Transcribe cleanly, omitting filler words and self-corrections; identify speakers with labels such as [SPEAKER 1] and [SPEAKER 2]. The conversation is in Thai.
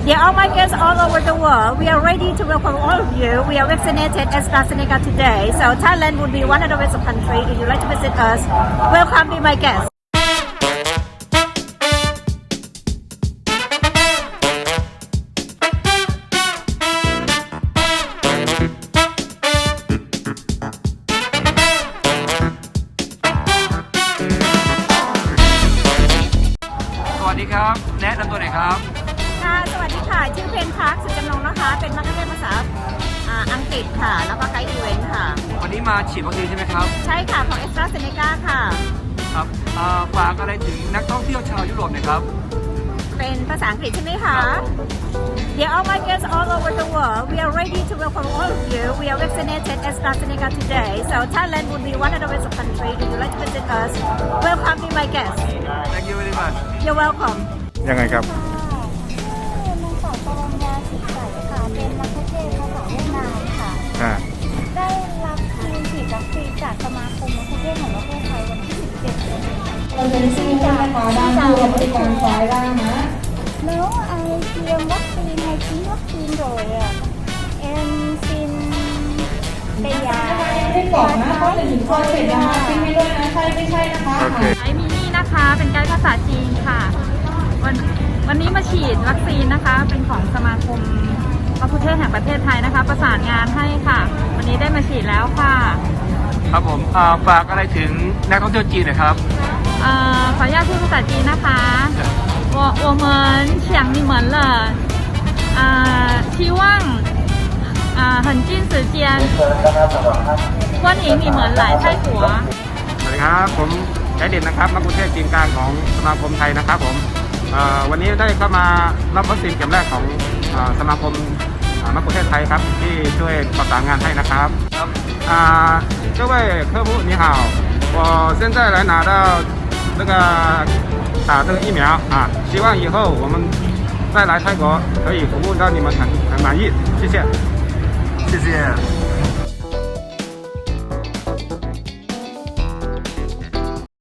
[SPEAKER 1] Dear all my guests all over the world, we are ready to welcome all of you. We are vaccinated AstraZeneca today, so Thailand would be one of the best country. If you'd like to visit us, welcome, be my guest.
[SPEAKER 2] สวัสดีครับแนะนำตัวหน่อยครับ
[SPEAKER 1] ค่ะสวัสดีค่ะชื่อเพนพักสุจำนงนะคะเป็นนักเรียนภาษาอังกฤษค่ะแล้วก็ไกด์อีเวนต์ค่ะ
[SPEAKER 2] วันนี้มาฉีดวัคซีนใช่ไหมครับ
[SPEAKER 1] ใช่ค่ะของ AstraZeneca ค่ะ
[SPEAKER 2] ครับฝากอะไรถึงนักท่องเที่ยวชาวยุโรปหน่อยครับ
[SPEAKER 1] เป็นภาษาอังกฤษใช่ไหมคะ Dear all my guests all over the world, we are ready to welcome all of you. We are vaccinated AstraZeneca today, so Thailand would be one of the best country. If you'd like to visit us, welcome, be my guest.
[SPEAKER 2] Thank you very much.
[SPEAKER 1] You're welcome.
[SPEAKER 3] ยังไงครับ
[SPEAKER 4] นางสาวปรัญญาสิทธิ์ใสค่ะเป็นนักเทศภาษาเวียดนามค่ะได้รับฉีดวัคซีนจากสมาคมนักเทศแห่งประเทศไทยวันที่17เดือนนี้เราจะได้ชื่อนะคะด้านผู้บริการฝ่ายล่างนะแล้วtiêm vaccine hay ký vaccine rồi em xin bây giờ
[SPEAKER 5] ไม่บอกนะเพราะจะถึงคอยเสร็จนะคะทิ้งไม่ด้วยนะใช่ไม่ใช่นะคะ
[SPEAKER 6] ไอมินี่นะคะเป็นไกด์ภาษาจีนค่ะวันนี้มาฉีดวัคซีนนะคะเป็นของสมาคมมะคุเทศแห่งประเทศไทยนะคะประสานงานให้ค่ะวันนี้ได้มาฉีดแล้วค่ะ
[SPEAKER 2] ครับผมฝากอะไรถึงนักท่องเที่ยวจีนหน่อยครับ
[SPEAKER 6] ขออนุญาตพูดภาษาจีนนะคะ我们想你们了希望很近时间欢迎你们来泰国
[SPEAKER 3] สวัสดีครับผมไกด์เด่นนะครับมักคุเทศจีนกลางของสมาคมไทยนะครับผมวันนี้ได้เข้ามารับวัคซีนเข็มแรกของสมาคมมักคุเทศไทยครับที่ช่วยประสานงานให้นะครับ各位客户你好我现在来拿到这个打这个疫苗希望以后我们再来泰国可以服务到你们很满意谢谢
[SPEAKER 2] 谢谢